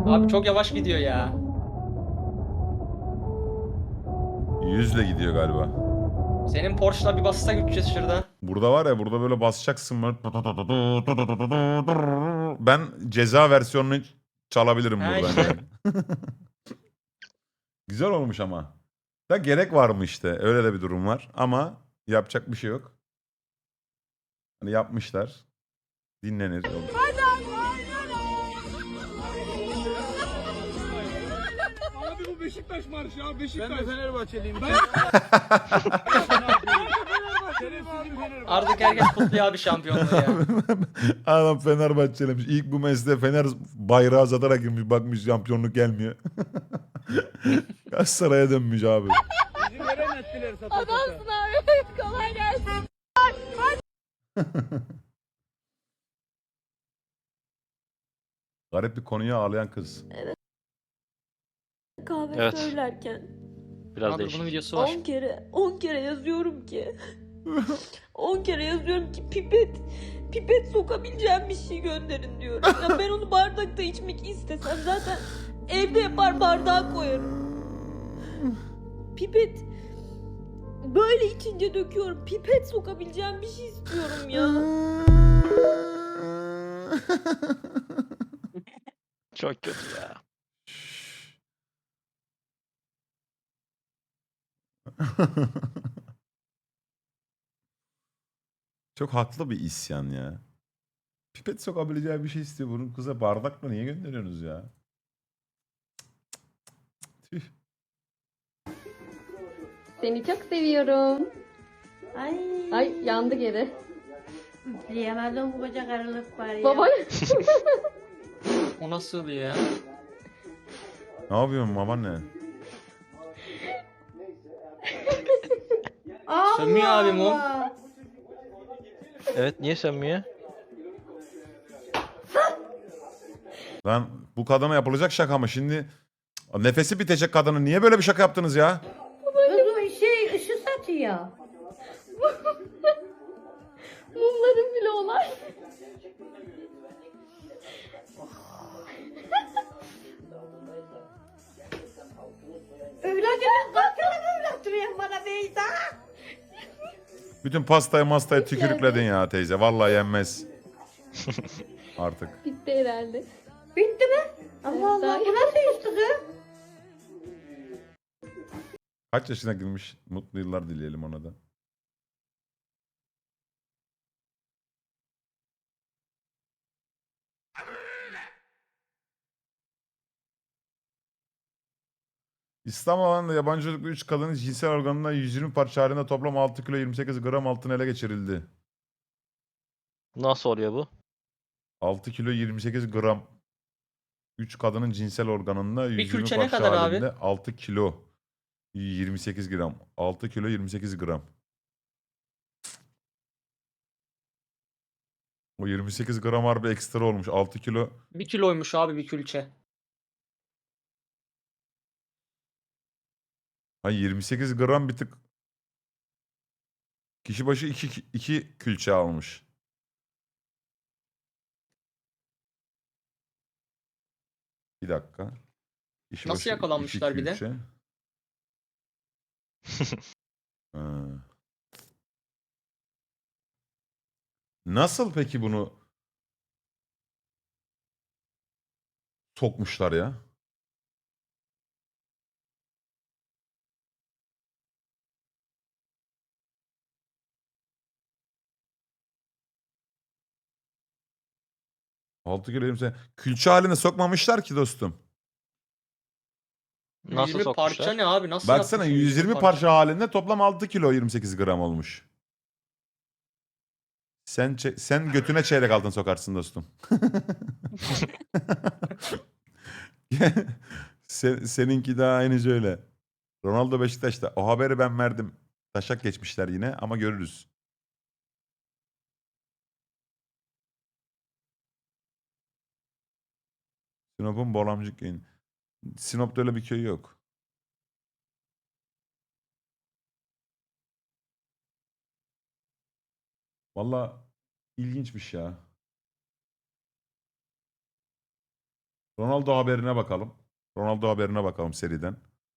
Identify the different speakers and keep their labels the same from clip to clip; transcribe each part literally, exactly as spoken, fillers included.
Speaker 1: Abi çok yavaş gidiyor ya.
Speaker 2: Yüzle gidiyor galiba.
Speaker 1: Senin Porsche'la bir bassak üç yüz şurada.
Speaker 2: Burada var ya, burada böyle basacaksın böyle. Ben ceza versiyonunu çalabilirim
Speaker 1: Ha
Speaker 2: buradan
Speaker 1: işte.
Speaker 2: yani. Güzel olmuş ama. Da gerek var mı işte? Öyle de bir durum var. Ama yapacak bir şey yok. Hani yapmışlar. Dinlenir. Olur.
Speaker 3: Abi bu Beşiktaş marşı ya Beşiktaş.
Speaker 4: Ben de Fenerbahçeliyim.
Speaker 3: Ben
Speaker 1: Artık herkes kutluyor abi şampiyonluğu ya.
Speaker 2: Adam Fenerbahçeliymiş. İlk bu mesleğe Fener bayrağı satarak girmiş. Bakmış şampiyonluk gelmiyor. Galatasaray'a dönmüş abi.
Speaker 4: Bizi veren ettiler sata sata.
Speaker 5: Adamsın abi. Kolay gelsin.
Speaker 2: Garip bir konuya ağlayan kız.
Speaker 5: Kahve
Speaker 6: Evet.
Speaker 5: söylerken
Speaker 6: Biraz
Speaker 1: Abi
Speaker 6: değişik.
Speaker 1: bunun videosu var.
Speaker 5: on kere on kere yazıyorum ki on kere yazıyorum ki pipet pipet sokabileceğim bir şey gönderin diyorum. Ya ben onu bardakta içmek istesem zaten evde yapar bardağa koyarım. Pipet böyle içince döküyorum. Pipet sokabileceğim bir şey istiyorum ya.
Speaker 6: Çok kötü ya.
Speaker 2: Çok haklı bir isyan ya. Pipet sokabileceği bir şey istiyor. Bunu kıza bardakla niye gönderiyorsunuz ya? Tüh.
Speaker 5: Seni çok seviyorum.
Speaker 7: Ay.
Speaker 5: Ay yandı geri.
Speaker 7: Diyemezdim bu koca karılık var ya.
Speaker 5: Baba
Speaker 1: O nasıl ya?
Speaker 2: Ne yapıyorsun babaanne?
Speaker 7: Allah
Speaker 1: Sönmüyor abi mum.
Speaker 7: Allah.
Speaker 6: Evet, niye sönmüyor?
Speaker 2: Lan bu kadına yapılacak şaka mı? Şimdi nefesi bitecek kadının. Niye böyle bir şaka yaptınız ya?
Speaker 7: Kızım şey ışık satıyor.
Speaker 5: mumların bile olay.
Speaker 7: Evladını kalkana böyle oturuyor bana Beyza.
Speaker 2: Bütün pastayı mastayı tükürükledin ya teyze. Vallahi yenmez. Artık.
Speaker 5: Bitti herhalde.
Speaker 7: Bitti mi? Allah Allah bu nasıl üstü kız?
Speaker 2: Kaç yaşına girmiş? Mutlu yıllar dileyelim ona da. İslam alanında yabancı uyruklu üç kadının cinsel organından yüz yirmi parça halinde toplam altı kilo yirmi sekiz gram altın ele geçirildi.
Speaker 6: Nasıl oluyor bu?
Speaker 2: altı kilo yirmi sekiz gram. üç kadının cinsel organında yüz yirmi
Speaker 1: külçe ne
Speaker 2: parça
Speaker 1: kadar abi?
Speaker 2: halinde altı kilo yirmi sekiz gram. altı kilo yirmi sekiz gram. O yirmi sekiz gram harbi ekstra olmuş. altı kilo.
Speaker 1: Bir kiloymuş abi bir külçe.
Speaker 2: Ha yirmi sekiz gram bir tık. Kişi başı iki, iki külçe almış. Bir dakika. Kişi
Speaker 1: Nasıl
Speaker 2: başı
Speaker 1: yakalanmışlar
Speaker 2: iki
Speaker 1: bir de?
Speaker 2: külçe. Ha. Nasıl peki bunu sokmuşlar ya? altı kilo yirmi sekiz. Külçe haline sokmamışlar ki dostum.
Speaker 6: Nasıl
Speaker 1: yüz yirmi parça
Speaker 6: sokmuşlar?
Speaker 1: ne abi? Nasıl
Speaker 2: Baksana
Speaker 1: yapmışsın
Speaker 2: yüz yirmi parça halinde toplam altı kilo yirmi sekiz gram olmuş. Sen çe- sen götüne çeyrek altın sokarsın dostum. Sen, seninki de aynı öyle. Ronaldo Beşiktaş'ta. O haberi ben verdim. Taşak geçmişler yine ama görürüz. Sinop'un Bolamcık köyü. Sinop'ta öyle bir köy yok. Valla ilginçmiş ya. Ronaldo haberine bakalım. Ronaldo haberine bakalım seriden.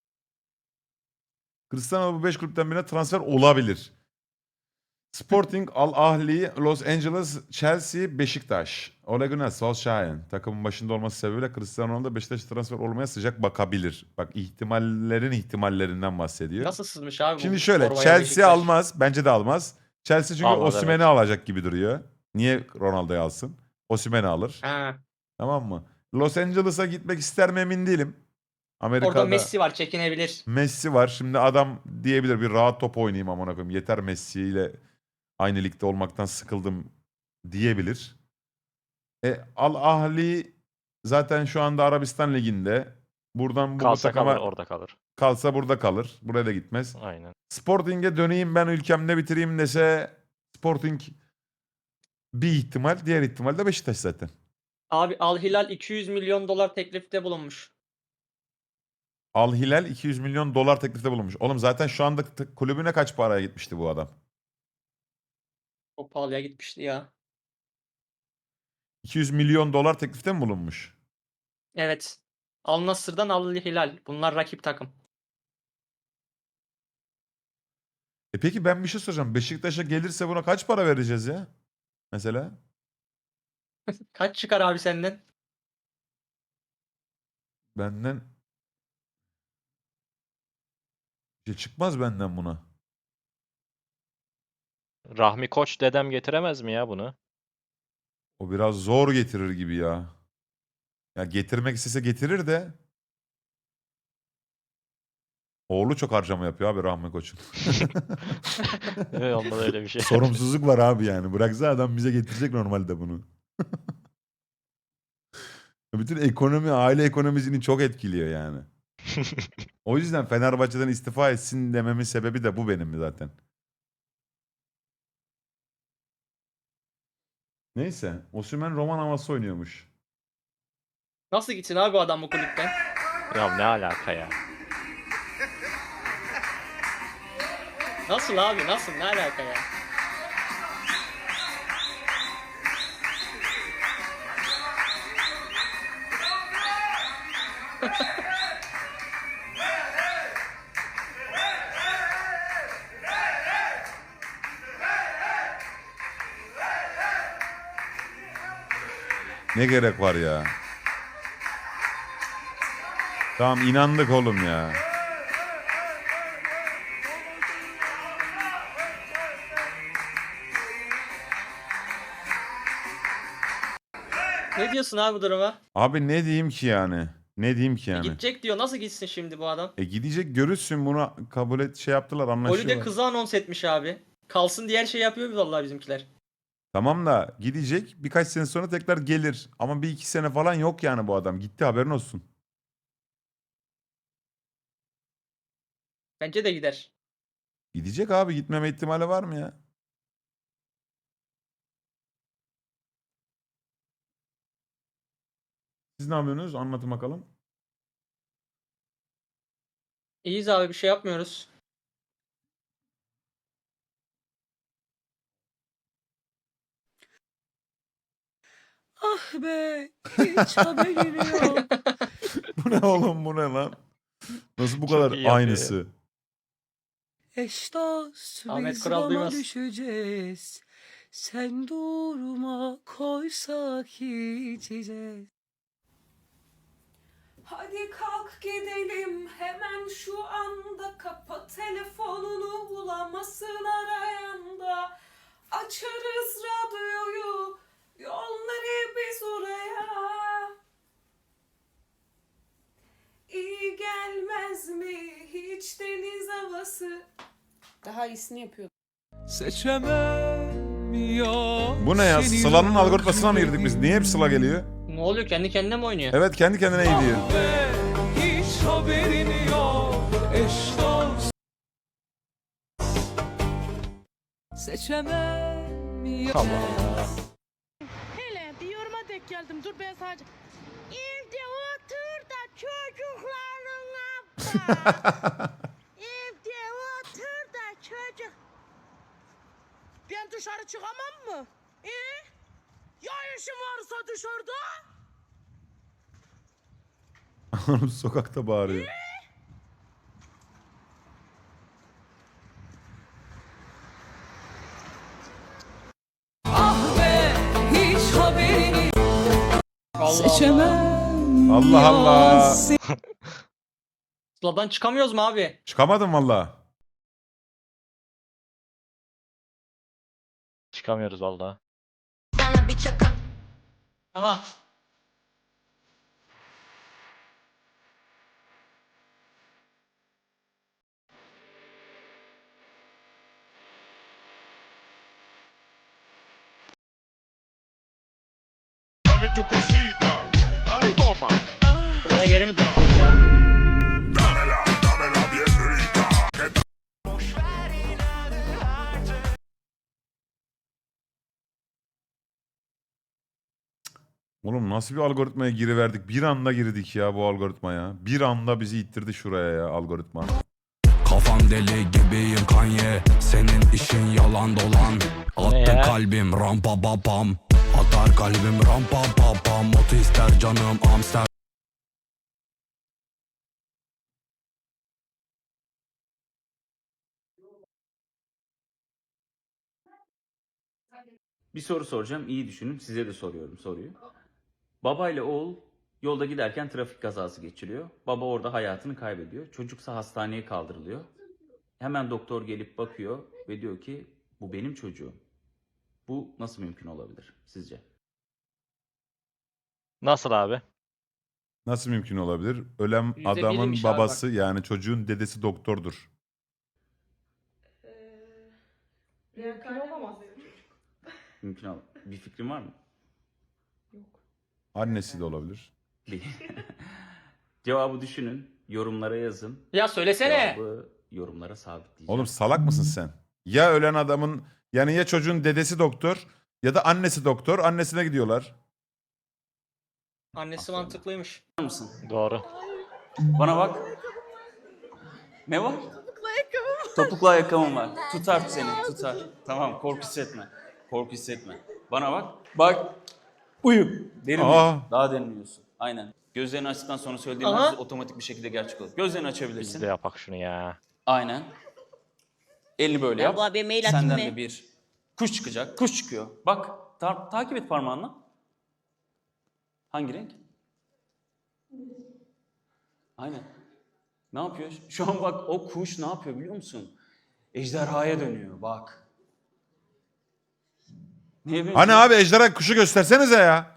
Speaker 2: Cristiano bu beş kulüpten birine transfer olabilir. Sporting, Al Ahly, Los Angeles, Chelsea, Beşiktaş. Ole Gunnar Solskjaer takımın başında olması sebebiyle Cristiano Ronaldo Beşiktaş'a transfer olmaya sıcak bakabilir. Bak ihtimallerin ihtimallerinden bahsediyor.
Speaker 1: Nasıl sızmış abi bu
Speaker 2: Şimdi şöyle
Speaker 1: torbaya
Speaker 2: Chelsea
Speaker 1: Beşiktaş?
Speaker 2: almaz. Bence de almaz. Chelsea çünkü
Speaker 6: Almaz,
Speaker 2: Osimhen'i
Speaker 6: evet.
Speaker 2: alacak gibi duruyor. Niye Ronaldo'yu alsın? Osimhen'i alır.
Speaker 1: Ha.
Speaker 2: Tamam mı? Los Angeles'a gitmek ister mi emin değilim. Amerika'da
Speaker 1: Orada Messi var, çekinebilir.
Speaker 2: Messi var. Şimdi adam diyebilir bir rahat top oynayayım amına koyayım. Yeter Messi ile aynı ligde olmaktan sıkıldım diyebilir. E, Al Ahly zaten şu anda Arabistan liginde. Buradan bu
Speaker 6: Kalsa
Speaker 2: takıma
Speaker 6: kalır, orada kalır.
Speaker 2: kalsa burada kalır. Buraya da gitmez.
Speaker 6: Aynen.
Speaker 2: Sporting'e döneyim ben ülkemde bitireyim dese Sporting bir ihtimal. Diğer ihtimal de Beşiktaş zaten.
Speaker 1: Abi Al Hilal iki yüz milyon dolar teklifte bulunmuş.
Speaker 2: Al Hilal iki yüz milyon dolar teklifte bulunmuş. Oğlum zaten şu anda t- kulübüne kaç paraya gitmişti bu adam?
Speaker 1: Çok pahalıya gitmişti ya.
Speaker 2: iki yüz milyon dolar teklifte mi bulunmuş?
Speaker 1: Evet. Al Nassr'dan Al Hilal. Bunlar rakip takım.
Speaker 2: E peki ben bir şey soracağım. Beşiktaş'a gelirse buna kaç para vereceğiz ya? Mesela?
Speaker 1: Kaç çıkar abi senden?
Speaker 2: Benden bir şey çıkmaz benden buna.
Speaker 6: Rahmi Koç dedem getiremez mi ya bunu?
Speaker 2: O biraz zor getirir gibi ya. Ya getirmek istese getirir de. Oğlu çok harcama yapıyor abi Rahmi Koç'un.
Speaker 6: Evet, onda da öyle bir şey.
Speaker 2: Sorumsuzluk var abi yani. Bıraksa adam bize getirecek normalde bunu. Bütün ekonomi, aile ekonomisini çok etkiliyor yani. O yüzden Fenerbahçe'den istifa etsin dememin sebebi de bu benim zaten. Neyse. Osimhen roman havası oynuyormuş.
Speaker 1: Nasıl gitsin abi bu adam bu kulüpten?
Speaker 6: Ya ne alaka ya?
Speaker 1: Nasıl abi nasıl ne alaka ya?
Speaker 2: Ne gerek var ya? Tamam inandık oğlum ya.
Speaker 1: Ne diyorsun abi bu duruma?
Speaker 2: Abi ne diyeyim ki yani? Ne diyeyim ki yani?
Speaker 1: Gidecek diyor. Nasıl gitsin şimdi bu adam?
Speaker 2: E gidecek görürsün bunu kabul et şey yaptılar
Speaker 1: Golü de
Speaker 2: anlaşıyorlar.
Speaker 1: kızı anons etmiş abi. Kalsın diğer şey yapıyor vallahi bizimkiler.
Speaker 2: Tamam da gidecek birkaç sene sonra tekrar gelir. Ama bir iki sene falan yok yani bu adam. Gitti haberin olsun.
Speaker 1: Bence de gider.
Speaker 2: Gidecek abi gitmeme ihtimali var mı ya? Siz ne yapıyorsunuz? Anlatın bakalım.
Speaker 1: İyiyiz abi bir şey yapmıyoruz.
Speaker 8: Ah be, hiç haberim yok.
Speaker 2: Bu ne oğlum bu ne lan? Nasıl bu
Speaker 6: Çok
Speaker 2: kadar
Speaker 6: iyi yapıyor
Speaker 2: aynısı?
Speaker 8: Eş dost
Speaker 1: Ahmet
Speaker 8: biz
Speaker 1: Kural
Speaker 8: bana
Speaker 1: duymaz.
Speaker 8: düşeceğiz. Sen durma koysak içeceğiz.
Speaker 9: Hadi kalk gidelim hemen şu anda, kapa telefonunu bulamasın arayanda. Açarız radyoyu, yolları biz oraya. İyi gelmez mi hiç deniz havası? Daha iyisini yapıyor.
Speaker 8: Seçemem
Speaker 2: Bu ne ya? Sıla'nın algoritmasına mı girdik biz? Niye hep Sıla geliyor?
Speaker 1: Ne oluyor? Kendi kendine mi oynuyor?
Speaker 2: Evet kendi kendine gidiyor.
Speaker 8: Hiç haberin yok. Eş dost seçemem ya.
Speaker 6: Allah Allah.
Speaker 7: Hele bir yoruma denk geldim. Dur ben sadece. Evde otur da çocuklarına bak. Evde otur da çocuk. Ben dışarı çıkamam mı? E? Ya işim varsa dışarıda?
Speaker 2: Oğlum sokakta bağırıyor.
Speaker 8: Ah be hiç haberini
Speaker 1: Allah
Speaker 8: seçemem.
Speaker 2: Allah Allah.
Speaker 8: ya
Speaker 1: Sıla'dan çıkamıyoruz mu abi?
Speaker 2: Çıkamadım valla.
Speaker 6: Çıkamıyoruz valla.
Speaker 1: Aha. Buraya geri mi döndük ya?
Speaker 2: Oğlum nasıl bir algoritmaya giriverdik? Bir anda girdik ya bu algoritmaya. Bir anda bizi ittirdi şuraya ya algoritma.
Speaker 10: Kafam deli gibiyim Kanye. Senin işin yalan dolan. Attı
Speaker 6: ya?
Speaker 10: kalbim rampa babam. Atar kalbim rampa babam. Motu ister canım Amsterdam.
Speaker 11: Bir soru soracağım. İyi düşünün. Size de soruyorum soruyu. Baba ile oğul yolda giderken trafik kazası geçiriyor. Baba orada hayatını kaybediyor. Çocuksa hastaneye kaldırılıyor. Hemen doktor gelip bakıyor ve diyor ki bu benim çocuğum. Bu nasıl mümkün olabilir sizce?
Speaker 6: Nasıl abi?
Speaker 2: Nasıl mümkün olabilir? Ölen
Speaker 1: Yüzde
Speaker 2: adamın
Speaker 1: biriymiş abi
Speaker 2: babası yani çocuğun dedesi doktordur.
Speaker 5: Mümkün olamaz.
Speaker 11: Mümkün ol. Bir fikrin var mı?
Speaker 2: Annesi de olabilir.
Speaker 11: Değil. Cevabı düşünün. Yorumlara yazın.
Speaker 1: Ya söylesene.
Speaker 11: Cevabı yorumlara sabitleyeceğim.
Speaker 2: Oğlum salak mısın sen? Ya ölen adamın yani ya çocuğun dedesi doktor ya da annesi doktor. Annesine gidiyorlar.
Speaker 1: Annesi mantıklıymış.
Speaker 11: mısın?
Speaker 6: Doğru.
Speaker 11: Bana bak. Ne var? Topuklu ayakkabım. Topuklu ayakkabım var. Tutar seni, tutar. Tamam, korku hissetme. Korku hissetme. Bana bak. Bak. Uyu. Derin
Speaker 2: Aa.
Speaker 11: uyu. Daha derin uyuyorsun. Aynen. Gözlerini açtıktan sonra söylediğim
Speaker 1: Aha.
Speaker 11: her şey otomatik bir şekilde gerçek olur. Gözlerini açabilirsin.
Speaker 6: Biz de yapak şunu ya.
Speaker 11: Aynen. Elini böyle yap.
Speaker 5: Abla bir mail atayım
Speaker 11: Senden
Speaker 5: mı?
Speaker 11: de bir kuş çıkacak. Kuş çıkıyor. Bak. ta- takip et parmağınla. Hangi renk? Aynen. Ne yapıyor? Şu an bak o kuş ne yapıyor biliyor musun? Ejderhaya dönüyor bak. Neye benziyor?
Speaker 2: Hani abi ejderha kuşu göstersenize ya.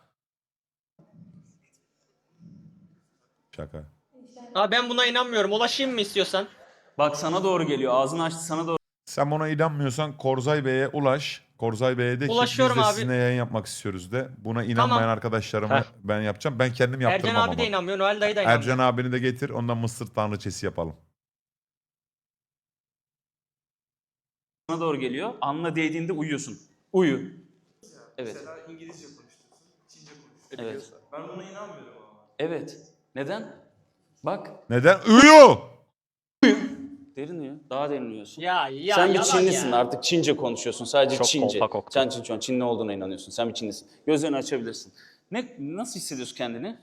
Speaker 2: Şaka.
Speaker 1: Abi ben buna inanmıyorum. Ulaşayım mı istiyorsan?
Speaker 11: Bak sana doğru geliyor. Ağzını açtı sana doğru.
Speaker 2: Sen buna inanmıyorsan Korzay Bey'e ulaş. Korzay Bey'e de ki biz
Speaker 1: Ulaşıyorum
Speaker 2: de
Speaker 1: abi.
Speaker 2: sizinle yayın yapmak istiyoruz de. Buna inanmayan
Speaker 1: Tamam.
Speaker 2: arkadaşlarıma
Speaker 6: Heh.
Speaker 2: ben yapacağım. Ben kendim
Speaker 1: Ercan
Speaker 2: yaptırmam
Speaker 1: abi
Speaker 2: ama.
Speaker 1: de inanmıyor. Noel dayı da inanmıyor.
Speaker 2: Ercan abini de getir. Ondan mısır tanrıçesi yapalım.
Speaker 11: Sana doğru geliyor. Alnına değdiğinde uyuyorsun. Uyu. Evet.
Speaker 3: Mesela İngilizce konuşuyorsun, Çince konuşuyorsun.
Speaker 11: Evet.
Speaker 3: Ben buna inanmıyorum ama.
Speaker 11: Evet. Neden? Bak.
Speaker 2: Neden? Uyu!
Speaker 11: Derin uyu. Daha derin uyuyorsun.
Speaker 1: Ya ya
Speaker 11: Sen bir
Speaker 1: yalan
Speaker 11: Çinlisin
Speaker 1: ya.
Speaker 11: artık Çince konuşuyorsun. Sadece
Speaker 6: Çok
Speaker 11: Çince.
Speaker 6: kolpa koktu.
Speaker 11: Sen Çin, Çinli olduğuna inanıyorsun. Sen bir Çinlisin. Gözlerini açabilirsin. Ne nasıl hissediyorsun kendini?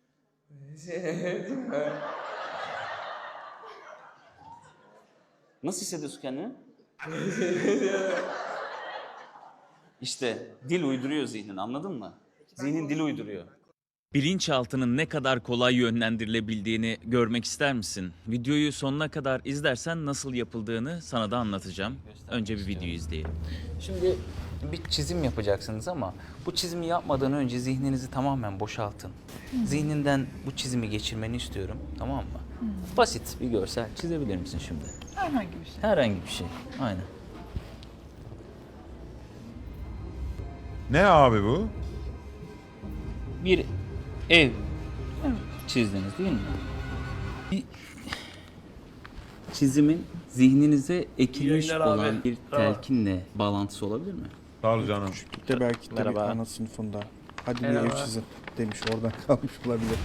Speaker 11: Nasıl hissediyorsun kendini? İşte dil uyduruyor zihnin, anladın mı? Zihnin dil uyduruyor.
Speaker 12: Bilinçaltının ne kadar kolay yönlendirilebildiğini görmek ister misin? Videoyu sonuna kadar izlersen nasıl yapıldığını sana da anlatacağım. Önce bir videoyu izleyelim.
Speaker 11: Şimdi bir çizim yapacaksınız ama bu çizimi yapmadan önce zihninizi tamamen boşaltın. Zihninden bu çizimi geçirmeni istiyorum, tamam mı? Basit bir görsel çizebilir misin şimdi?
Speaker 8: Herhangi bir şey.
Speaker 11: Herhangi bir şey, aynen.
Speaker 2: Ne abi bu?
Speaker 11: Bir ev çizdiniz değil mi? Bir çizimin zihninize ekilmiş olan bir telkinle bağlantısı olabilir mi?
Speaker 2: Sağ ol canım.
Speaker 4: De belki de bir
Speaker 6: Merhaba.
Speaker 4: ana sınıfında. Hadi bir
Speaker 1: Merhaba.
Speaker 4: ev çizin demiş, oradan kalmış olabilir.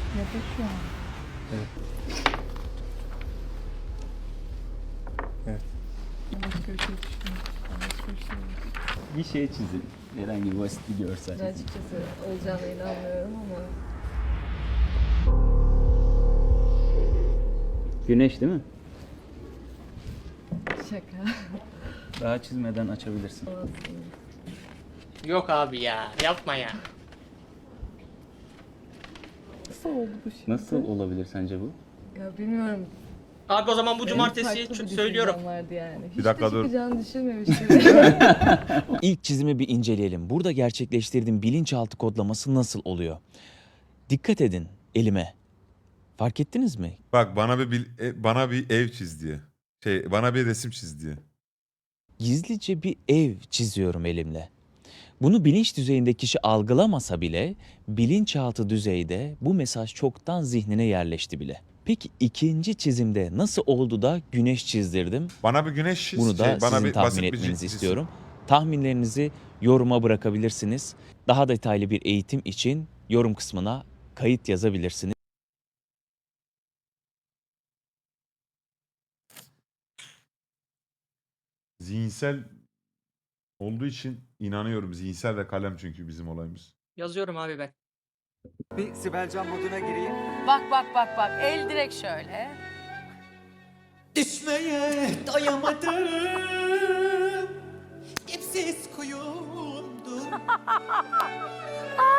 Speaker 11: Bir şey çizin. Herhangi bir basit bir görsel.
Speaker 5: Açıkçası olacağına inanmıyorum ama.
Speaker 11: Güneş değil mi?
Speaker 8: Şaka.
Speaker 11: Daha çizmeden açabilirsin.
Speaker 1: Yok abi ya. Yapma ya.
Speaker 8: Nasıl oldu bu şimdi?
Speaker 11: Nasıl olabilir sence bu?
Speaker 8: Ya bilmiyorum.
Speaker 1: Abi o zaman bu
Speaker 8: Benim
Speaker 1: cumartesi
Speaker 8: farklı bir
Speaker 1: ç- söylüyorum.
Speaker 8: düşüncem vardı yani. Hiç
Speaker 2: Bir dakika
Speaker 8: de
Speaker 2: dur.
Speaker 8: çıkacağını düşünmemiştim.
Speaker 12: İlk çizimi bir inceleyelim. Burada gerçekleştirdiğim bilinçaltı kodlaması nasıl oluyor? Dikkat edin elime. Fark ettiniz mi?
Speaker 2: Bak bana bir bil- e, bana bir ev çiz diye. Şey bana bir resim çiz diye.
Speaker 12: Gizlice bir ev çiziyorum elimle. Bunu bilinç düzeyinde kişi algılamasa bile bilinçaltı düzeyde bu mesaj çoktan zihnine yerleşti bile. Peki ikinci çizimde nasıl oldu da güneş çizdirdim?
Speaker 2: Bana bir güneş çiz.
Speaker 12: Bunu da
Speaker 2: şey, bana
Speaker 12: sizin
Speaker 2: bir
Speaker 12: tahmin
Speaker 2: basit bir
Speaker 12: etmenizi
Speaker 2: çiz.
Speaker 12: istiyorum. Tahminlerinizi yoruma bırakabilirsiniz. Daha detaylı bir eğitim için yorum kısmına kayıt yazabilirsiniz.
Speaker 2: Zihinsel olduğu için inanıyorum. Zihinsel ve kalem çünkü bizim olayımız.
Speaker 1: Yazıyorum abi ben.
Speaker 3: Bir Sibelcan moduna gireyim.
Speaker 8: Bak bak bak bak. El direkt şöyle.
Speaker 3: Düşmeye doyamadım. Dipsiz kuyumdum.